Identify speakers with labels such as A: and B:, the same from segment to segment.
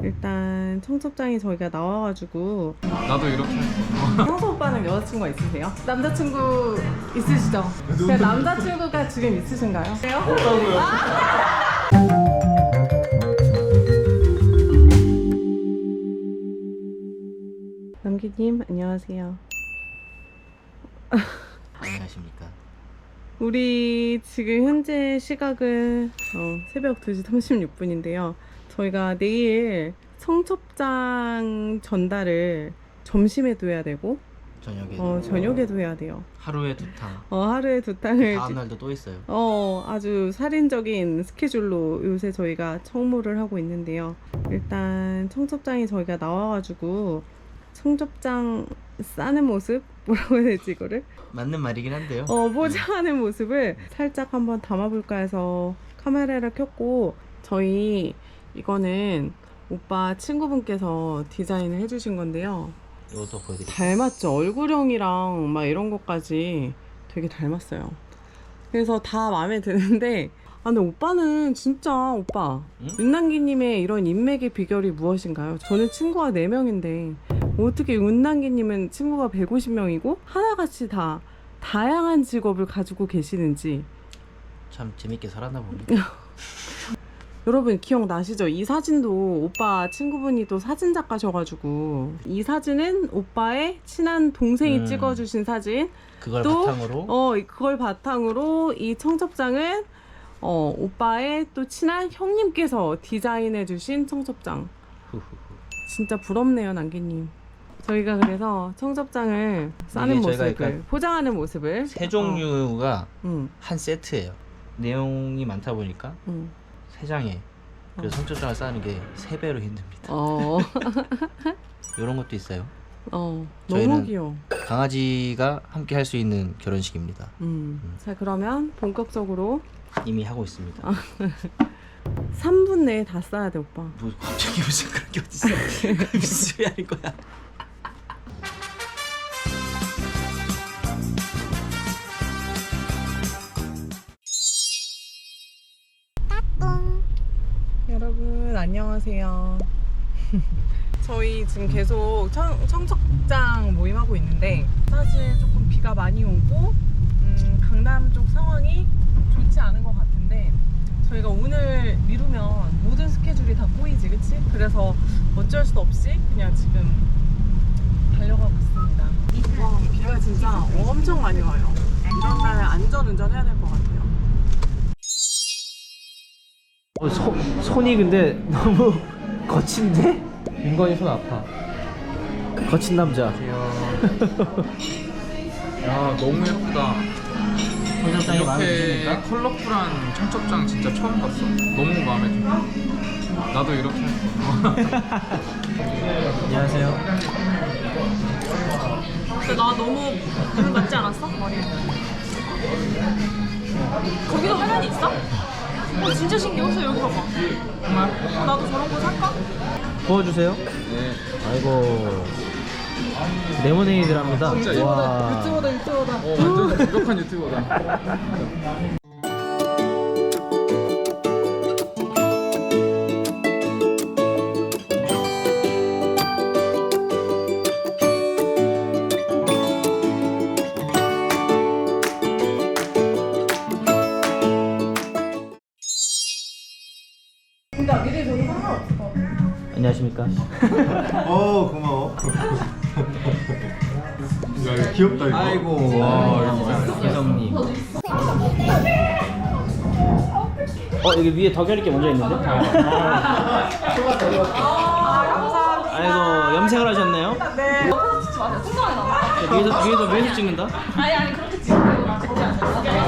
A: 일단 청첩장이 저희가 나와가지고.
B: 나도 이렇게 할 거야.
A: 형수 오빠는 여자친구가 있으세요? 남자친구 있으시죠? 그냥 남자친구가 지금 있으신가요?
B: 없다고요?
A: 남기님 안녕하세요.
C: 안녕하십니까.
A: 우리 지금 현재 시각은 새벽 2시 36분인데요. 저희가 내일 청첩장 전달을 점심에도 해야 되고 저녁에도 해야 돼요.
C: 하루에 2탕.
A: 하루에 2탕을
C: 다음 날도 또 있어요.
A: 아주 살인적인 스케줄로 요새 저희가 청무를 하고 있는데요. 일단 청첩장이 저희가 나와가지고 청첩장 싸는 모습? 뭐라고 해야 되지 이거를?
C: 맞는 말이긴 한데요.
A: 포장하는 모습을 살짝 한번 담아볼까 해서 카메라를 켰고, 저희 이거는 오빠 친구분께서 디자인을 해주신 건데요.
C: 이것도 보여드릴게요.
A: 닮았죠? 얼굴형이랑 막 이런 것까지 되게 닮았어요. 그래서 다 마음에 드는데, 근데 오빠는 진짜 오빠
C: 응?
A: 윤남기님의 이런 인맥의 비결이 무엇인가요? 저는 친구가 4명인데 어떻게 윤남기님은 친구가 150명이고 하나같이 다 다양한 직업을 가지고 계시는지.
C: 참 재밌게 살았나 봅니다.
A: 여러분 기억나시죠? 이 사진도 오빠 친구분이 또 사진작가셔가지고, 이 사진은 오빠의 친한 동생이 찍어주신 사진.
C: 그걸
A: 또
C: 바탕으로
A: 그걸 바탕으로 이 청첩장은 오빠의 또 친한 형님께서 디자인해주신 청첩장.
C: 후후후.
A: 진짜 부럽네요, 남기님. 저희가 그래서 청첩장을 싸는
C: 이게 저희가
A: 모습을,
C: 약간
A: 포장하는 모습을
C: 세 종류가
A: 응,
C: 한 세트예요. 내용이 많다 보니까
A: 응.
C: 3장에 그래서 청첩장을 싸는 게 3배로 힘듭니다. 이런 것도 있어요.
A: 너무
C: 저희는
A: 귀여워.
C: 강아지가 함께 할 수 있는 결혼식입니다.
A: 자, 그러면 본격적으로
C: 이미 하고 있습니다.
A: 3분 내에 다 싸야 돼, 오빠.
C: 뭐 갑자기 무슨 그런 게 어딨어. 무슨 소리 하는 거야.
A: 여러분 안녕하세요. 저희 지금 계속 청첩장 모임하고 있는데, 사실 조금 비가 많이 오고 강남 쪽 상황이 좋지 않은 것 같은데, 저희가 오늘 미루면 모든 스케줄이 다 꼬이지, 그치? 그래서 어쩔 수 없이 그냥 지금 달려가고 있습니다. 와, 비가 진짜 엄청 많이 와요. 이런 날 안전운전 해야 될 것 같아요.
D: 손이 근데 너무 거친데? 윤건이 손 아파. 거친 남자.
B: 야, 너무 예쁘다.
D: 청첩장이 마음에
B: 이렇게
D: 드십니까?
B: 컬러풀한 청첩장 진짜 처음 봤어. 너무 마음에 들어. 나도 이렇게 할 거야.
D: 안녕하세요.
A: 근데 나 너무 눈 맞지 않았어? 머리. 거기도 화면이 있어? 진짜 신기해서 여기 봐봐.
B: 정말?
A: 나도 저런 거 살까?
D: 부어주세요.
B: 네.
D: 아이고. 레모네이드랍니다. 와.
A: 유튜버다.
B: 완전 완벽한 유튜버다.
A: 그러니까 미래 저는 상관없을 것 같아.
D: 안녕하십니까?
E: 고마워. 야, 이거 귀엽다 이거.
D: 아이고. 혜성님. 여기 위에 덕열 있게 먼저 있는데?
A: 감사합니다.
D: 아이고, 염색을 하셨네요?
A: 네. 찍지 마세요. 통장에 나와.
D: 위에서 찍는다?
A: 아니 그렇게 찍으세요. 나 절대 안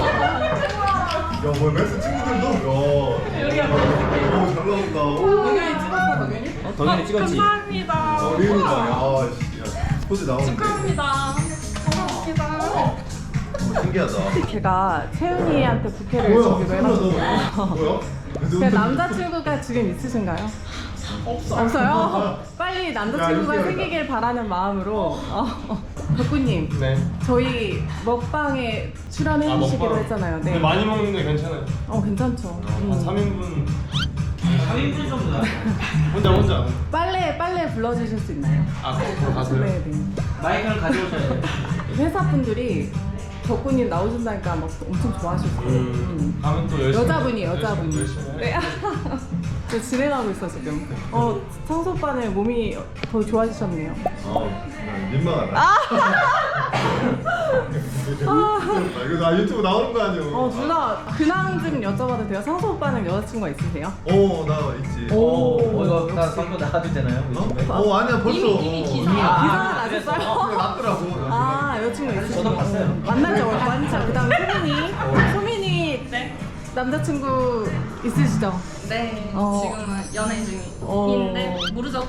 E: 야, 뭐 메스 친구들도. 야. 오, 잘 나온다.
A: 덕현이 찍었어, 덕현이?
D: 덕열이 찍었지?
A: 감사합니다.
E: 리은이다. 야, 포즈 나오는데.
A: 축하합니다. 고맙습니다.
E: 신기하다.
A: 제가 채은이한테 부케를
E: 뭐야?
A: 주기로 해가지고.
E: 뭐야?
A: 그 남자친구가 지금 있으신가요? 없어요? 빨리 남자친구가
E: 야,
A: 생기길 바라는 마음으로. 덕구님,
F: 네.
A: 저희 먹방에 출연해 주시기로
F: 먹방.
A: 했잖아요.
F: 근데
A: 네.
F: 많이 먹는 게 괜찮아요.
A: 괜찮죠.
F: 한 3인분
D: 1분 정도 나.
E: 혼자.
A: 빨래 불러주실 수 있나요?
B: 아, 거꾸로 가세요?
A: 네네.
D: 마이크를 가져오셔야 돼요.
A: 회사 분들이 덕구님 나오신다니까 막 엄청 좋아하셨어요.
B: 가면 또 열심히.
A: 여자분이.
B: 열심히
A: 네. 저 진행하고 있어 지금. 창수 오빠는 몸이 더 좋아지셨네요.
E: 민망하다. 이거 나 유튜브 나오는 거 아니야?
A: 누나 근황 좀 여쭤봐도 돼요? 창수 오빠는 여자친구가 있으세요?
E: 나 있지.
D: 이거 다 광고 나가도 되나요?
E: 아니야 벌써.
A: 기사가 나셨어요?
E: 그래 났더라고.
A: 여자친구 있으시죠?
D: 저도 봤어요.
A: 만나죠. 완전. 그 다음에 소민이 남자친구 있으시죠?
F: 네,
A: 지금은
F: 연애 중인데 모르죠.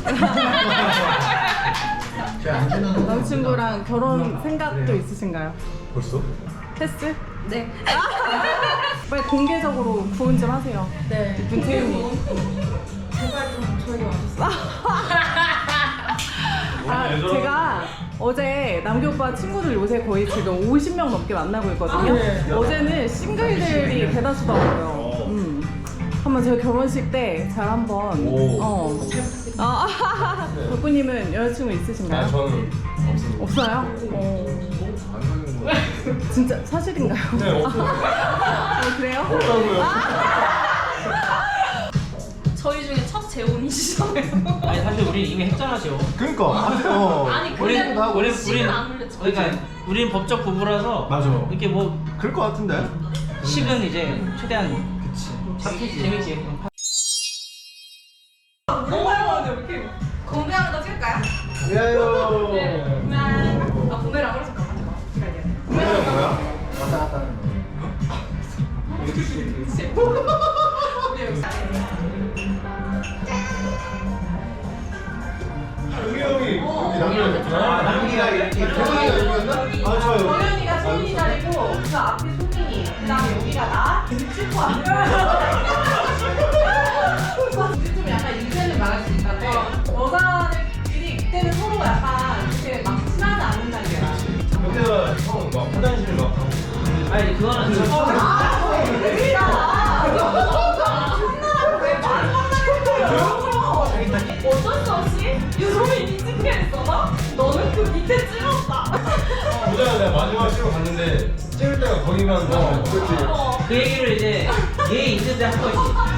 A: 남자친구랑 결혼 생각도 있으신가요?
E: 벌써?
A: 패스?
F: 네.
A: 빨리 공개적으로 구혼 좀 하세요.
F: 네.
A: 이쁜 태윤이.
F: 제발 좀 저에게 와주세요.
A: 제가 어제 남규 오빠 친구들 요새 거의 지금 50명 넘게 만나고 있거든요. 어제는 싱글들이 대다수더라고요. 한번 제가 결혼식 때 잘 한번. 덕구님은 여자친구 있으신가요?
B: 저는 없습니다.
A: 없어요?
E: 안 사는 거.
A: 진짜 사실인가요?
B: 네, 없어요.
A: 그래요?
B: 없다고요.
F: 저희 중에 첫 재혼이시잖아요.
D: 아니 사실 우리 이미 했잖아죠.
E: 그러니까.
F: 아니
D: 우리
F: 근데
D: 우리
F: 식은 안 올렸죠.
D: 그러니까 우리는 법적 부부라서
E: 맞아.
D: 이렇게 뭐
E: 그럴 것 같은데.
D: 식은 이제 최대한 재밌지.
F: 공개하는 거 찍을까요?
E: 야요.
F: 공개를 안 그래서 잠깐만.
E: 이거는 뭐야?
C: 왔다 갔다 하는 거.
E: 우리 형이 남기가 이렇게 태훈이가 여기였나? 좋아요.
A: 정현이가 소민이 자리고 그 앞에 소민이 그 다음에 여기가 나 찍고 안 이제 좀 약간 인생을 말할 수 있는데 여자들끼리 그때는 서로 약간 이렇게 막 친하지 않는 단계라
E: 그때가 형막 화장실 막 가고.
D: 아니 그거는
F: 어쩔 수 없이 유소민이 찍게 했어. 너는 그 밑에 찍었다.
B: 보자 내가 마지막 찍으러 갔는데 찍을 때가 거기만. 그렇지.
D: 그 얘기를 이제 얘 있는데 한 거지.